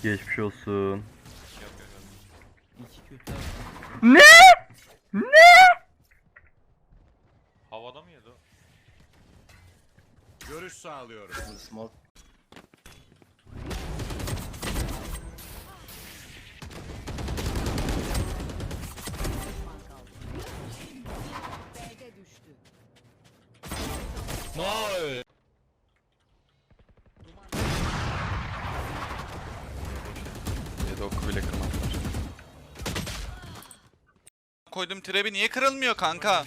Geçmiş olsun. İki kötü. Ne? Havada mı yedi o? Görüş sağlıyorum. Small. B'de düştü. No! Ya da oku bile kırmadılar. Koydum trebi niye kırılmıyor kanka?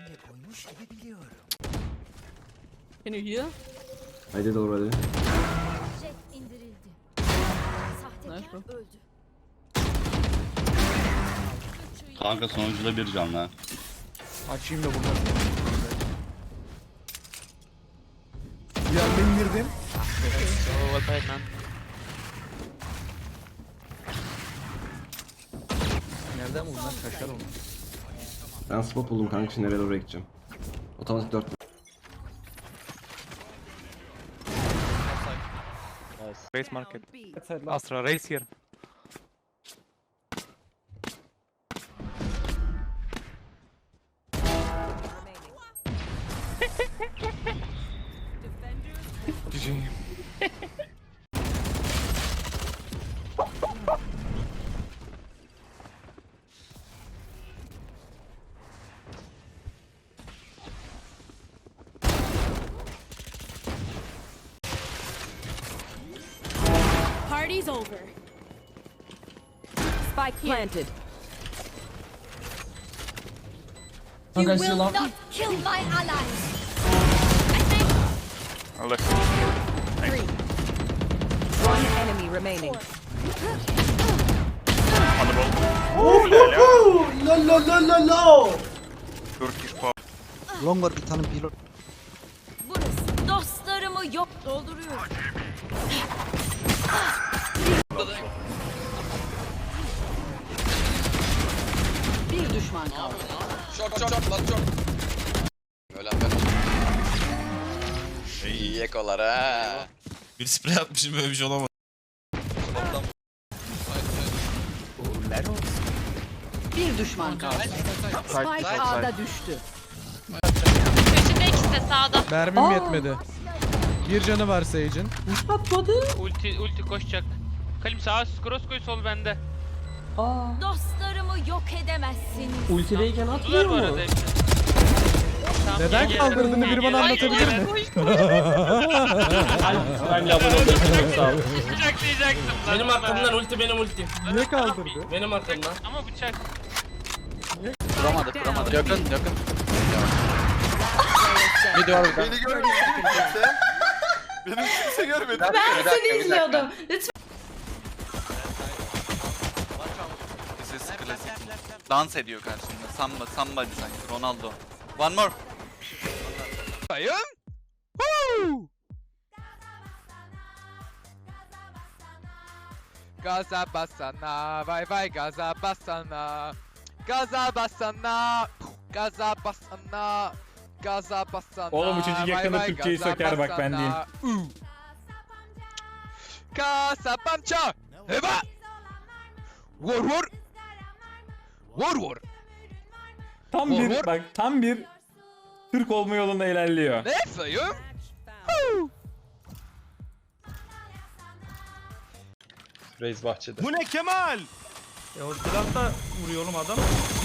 Can you heal? I did already. Jet indirildi. Nice bro. Sahtekar öldü. Kanka sonucuda bir can lan. Açayım da buradan. Yerden girdim. So well played man. Nereden bunlar kaçar onu? Ben spot buldum kanka, şimdi nereye doğru gideceğim. Otomatik 4. Race market. Astra race here. GG. Party's over. Spike planted. You will not kill my allies. Allah. Three. One enemy remaining. Turkish pop. Long var bir tane pilot. Burası. Dostlarımı yok dolduruyor. Bir düşman kaldı. Çok lan çok. Ölen ben. İyi ekolar ha. Bir sprey atmışım, böyle bir şey olamaz. Bir düşman kaldı. Spike A'da düştü. Köşede ikisi de sağda. Mermim yetmedi. Bir canı var Sage'in. Ulti koşacak. Kalim sağa cross koy sol bende. Dostlarımı yok edemezsiniz. Ultideyken atmıyor mu? Neden kaldırdığını biri bana anlatabilir mi? Bıçaklayacaktım. Benim arkamdan ulti benim ultim. Niye kaldırdı? Benim arkamdan. Ama bıçak. Kuramadık. Yakın. Beni görmedi kimse. Beni kimse görmedi. Ben seni izliyordum. This is klasik. Dans ediyor karşımda. Samba sanki. Ronaldo. One more. Bayım. Gaza basana, vay vay gaza basana. Gaza basana, gaza basana. Gaza basana. Oğlum bu çocuk yakında Türkçeyi söker bak, ben diyeyim. Gaza pança. Heba. Vur vur. Vur vur. Tam Vur, bir vur. bak, tam bir Türk olma yolunda ilerliyor. Ne sayım? Reis bahçede. Bu ne Kemal? O silahta vuruyor oğlum adam.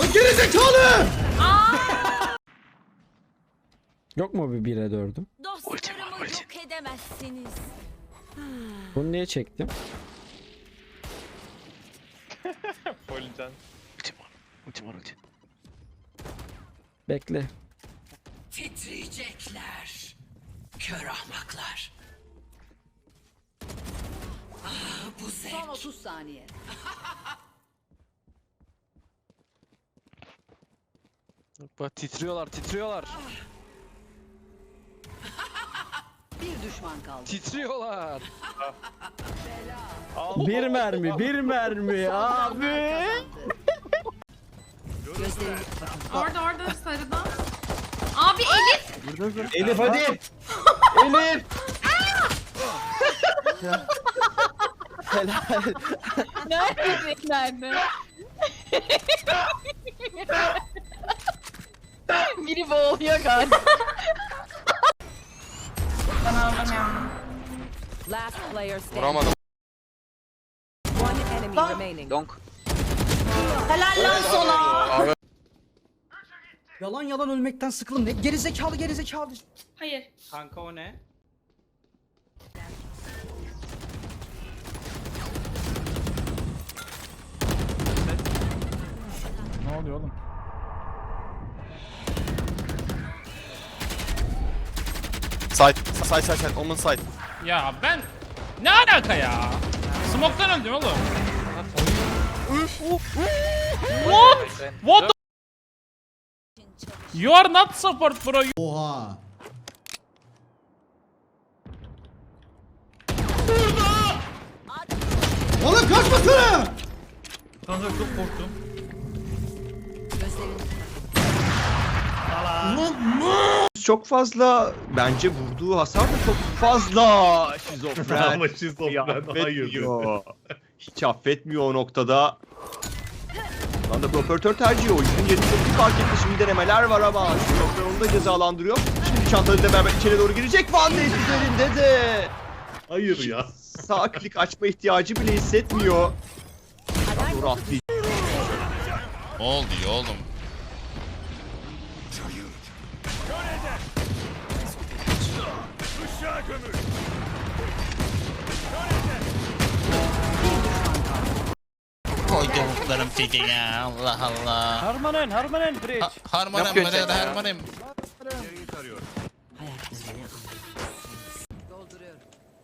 Yok mu bir 1'e 4'üm? Dostlarımı yok edemezsiniz. Bunu niye çektim? Bekle. Titriyecekler. Kör ahmaklar. Bu zevk. Son 30 saniye. Bak titriyorlar. Bir düşman kaldı. Titriyorlar. Bir mermi abi. Gözlerini Orada sarıda. Abi Elif. Elif hadi. Nerede? Biri boğuluyor galiba. Last player standing. Vuramadım. One enemy remaining. Donk. Helal lan sana. Yalan yalan ölmekten sıkıldım. Ne gerizekalı. Hayır. Kanka o ne? Ne oluyor oğlum? Side. Omen side. Ya ben ne alaka ya? Smoke'tan öldüm oğlum. What the? You are not support bro. Oha. Oğlum kaçmasana. Kanka çok korktum. Çok fazla bence vurduğu hasar da çok fazla. Şizofren. Ama şizofren, affetmiyor. Hiç affetmiyor o noktada. Şu anda operatör tercihi oyuncunun yerini çok iyi fark etti. Şimdi denemeler var ama şizofren onu da cezalandırıyor. Şimdi çantalarıyla beraber içeri doğru girecek. Van Ness üzerinde de. Hayır ya. Sağ klik açma ihtiyacı bile hissetmiyor. Doğru atlayacak. Ne oldu ya oğlum? Koyduklarım peki ya Allah Allah. Harmanen bridge. Harmanım buraya da harmanım. Dolduruyorum.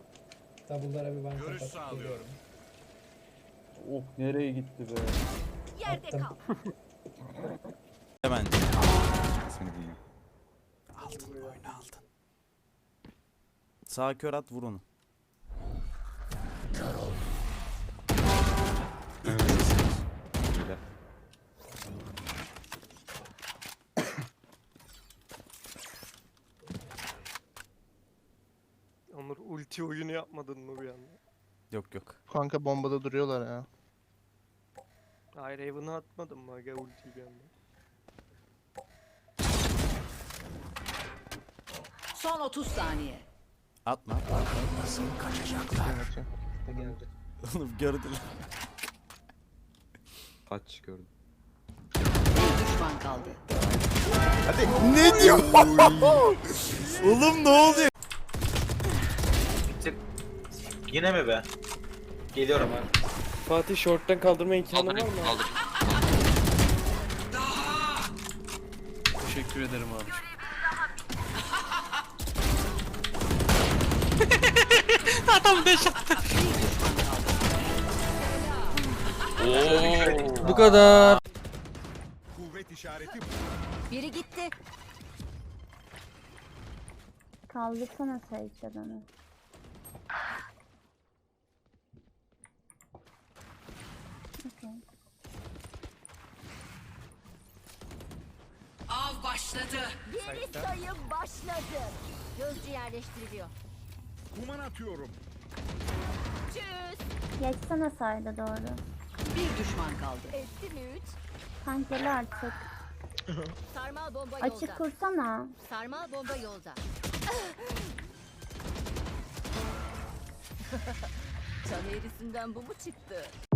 Oh nereye gitti be? Yerde kal. Hemen. Sağ kör at vur onu. Onur ulti oyunu yapmadın mı bir anda? Yok. Kanka bombada duruyorlar ya. Hayır Raven'ı atmadın mı aga ultiyi bir anda? Son 30 saniye. Atma. Oğlum gördüler. Kaç gördüm. Bir düşman kaldı. Ne diyor? Oğlum ne oluyor? Yine mi be? Geliyorum ben. Fatih short'tan kaldırma imkanı var mı? Teşekkür ederim abi. Bu kadar. Biri gitti. Kaldırsana Sage adamı. Av başladı. Geri sayım başladı. Gözcü yerleştiriliyor. Kuman atıyorum. Tschüss. Geçsene sayda doğru. Bir düşman kaldı. Etti mi 3? Kankeli artık. Sarmal bomba yolda. Açık kursana. Sarmal bomba yolda. Çan eğrisinden bu mu çıktı?